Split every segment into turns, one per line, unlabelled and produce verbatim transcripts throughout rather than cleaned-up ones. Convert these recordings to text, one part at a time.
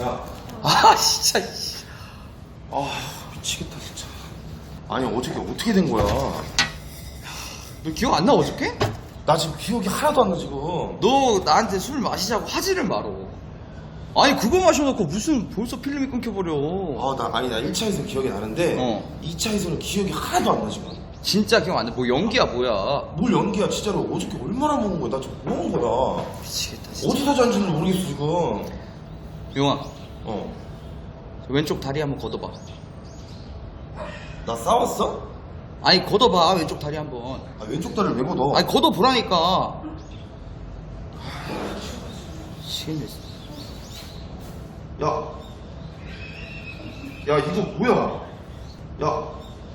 야,
아 진짜 씨.
아 미치겠다 진짜. 아니 어저께 어떻게 된 거야?
너 기억 안 나 어저께?
나 지금 기억이 하나도 안 나 지금.
너 나한테 술 마시자고 하지를 말어. 아니 그거 마셔놓고 무슨 벌써 필름이 끊겨버려.
아, 나 아니 나 일 차에서 기억이 나는데
어.
이 차에서는 기억이 하나도 안 나 지금.
진짜 기억 안 나. 뭐 연기야 뭐야.
뭘 연기야 진짜로. 어저께 얼마나 먹은 거야? 나 지금 뭐 먹은 거야?
미치겠다 진짜.
어디서 잔지는 모르겠어 지금.
용아
어.
저 왼쪽 다리 한번 걷어봐.
나 싸웠어?
아니 걷어봐 왼쪽 다리 한번.
아, 왼쪽 다리를 왜 걷어?
아니 걷어보라니까. 미치겠네.
야, 야 이거 뭐야? 야,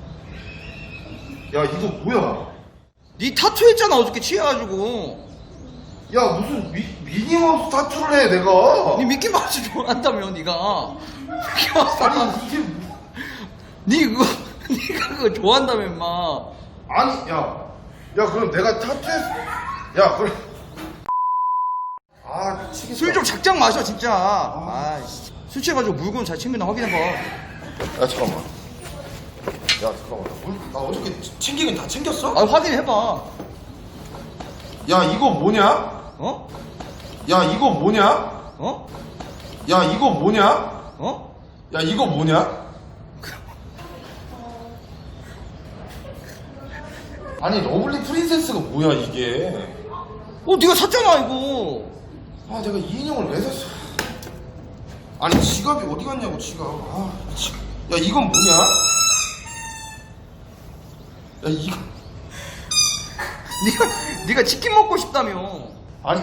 야 이거 뭐야?
니 타투 했잖아 어저께 취해가지고.
야 무슨 미, 미니마우스 타투를 해 내가?
니 미키마우스 좋아한다며 니가. 미키마우스 타투.
아니 이게 뭐-
니 그거 니가 그거 좋아한다며 임마.
아니 야, 야 그럼 내가 타투했, 야 그래. 아 미치겠다.
술 좀 작작 마셔 진짜. 아, 씨. 술 취해가지고 물건 잘 챙겼나 확인해봐.
야 잠깐만. 야 잠깐만. 나, 물- 나 어저께 챙기긴 다 챙겼어?
아 확인해봐.
야 이거 뭐냐?
어?
야 이거 뭐냐?
어?
야 이거 뭐냐?
어?
야 이거 뭐냐? 아니 러블리 프린세스가 뭐야 이게?
어 네가 샀잖아 이거.
아 내가 이 인형을 왜 샀어? 아니 지갑이 어디 갔냐고 지갑. 아, 지... 야 이건 뭐냐? 야 이거
네가 네가 치킨 먹고 싶다며.
아니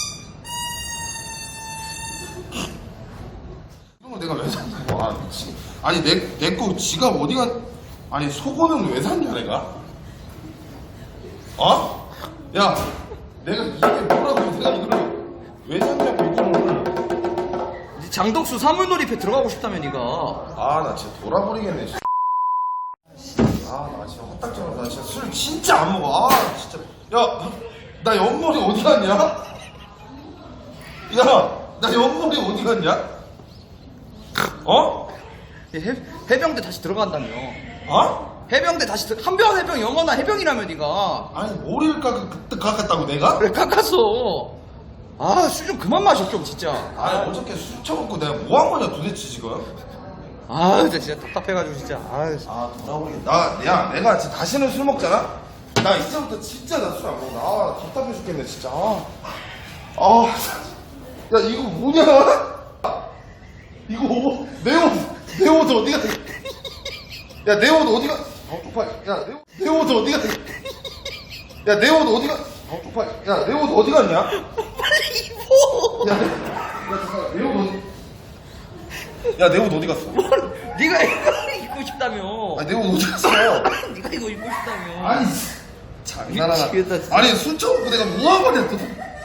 이런 걸 내가 왜 샀냐고. 아 미치. 아니 내 내 거 지갑 어디 갔? 아니 속옷은 왜 샀냐 내가? 어? 야 내가 이게 뭐라고 내가 이걸 왜 샀냐고 이거를.
네 장덕수 사물놀이패 들어가고 싶다며 네가.
아 나 진짜 돌아버리겠네. 아 나 진짜 헛딱지나. 나 진짜 술 진짜 안 먹어. 아 진짜. 야 나 옆머리 어디 갔냐? 야 나 옆머리 어디 갔냐? 어?
해, 해병대 다시 들어간다며.
어?
해병대 다시 들 한병 해병 영원한 해병이라며 네가.
아니 머리를 깎, 그때 깎았다고 내가?
그래 깎았어. 아 술 좀 그만 마셔 좀 진짜.
아니 어저께 술 처먹고 내가 뭐 한 거냐 도대체 지금?
아 진짜, 진짜 답답해가지고 진짜. 아
아 돌아오겠다. 나, 야 내가 진짜 다시는 술 먹잖아? 나 이제부터 진짜 나 술 안 먹어. 아 답답해 죽겠네 진짜. 아, 아, 야 이거 뭐냐? 이거 뭐, 내 옷, 내 옷 어디 갔? 야 내 옷 어디 갔? 어 쪽팔. 야내 옷, 내 옷 어디 갔? 야내 옷 어디 갔? 어 쪽팔. 야내 옷 어디 갔냐?
빨리 입어.
야, 야 잠깐 내 옷 어디? 야 내 옷 어디 갔어?
네가 이거 입고 싶다며.
아 내 옷 어디 갔어?
네가 이거 입고 싶다며.
아니 장난하나.
미치겠다, 진짜.
아니 술 처먹고 내가 뭐한 거냐 또.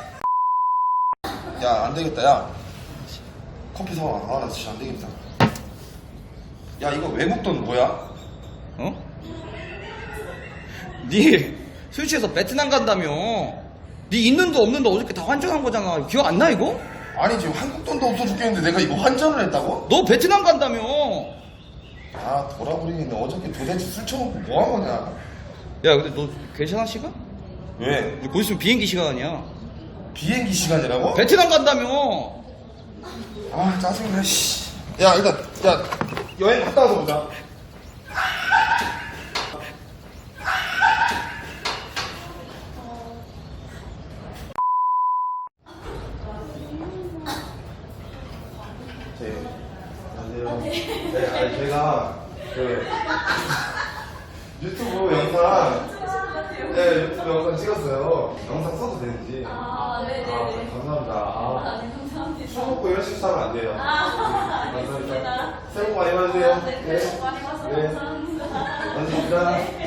야 안되겠다. 야 커피 사와. 아 나 진짜 안되겠다. 야 이거 외국 돈 뭐야?
어? 네 술 취해서 베트남 간다며. 네 있는도 없는도 어저께 다 환전한 거잖아. 기억 안 나 이거?
아니 지금 한국 돈도 없어 죽겠는데 내가 이거 환전을 했다고?
너 베트남 간다며.
아 돌아버리겠네. 어저께 도대체 술 처먹고 뭐 한 거냐?
야 근데 너 괜찮아 시간?
왜?
곧 있으면 비행기 시간이야.
비행기 시간이라고?
베트남 간다며.
아 짜증나 씨. 야 일단 야 여행 갔다 와서 보자. 네, 안녕하세요. 네, 아니 제가 그 유튜브 영상, 네 유튜브 영상 찍었어요. 영상 써도 되는지.
아, 네네네.
아, 감사합니다. 아,
아, 네, 감사합니다.
술 먹고 이런 식으로 하면 안 돼요.
아,
감사합니다.
알겠습니다.
새해 복 많이 받으세요.
네, 새해 복 많이 받으세요.
네.
감사합니다.
감사합니다.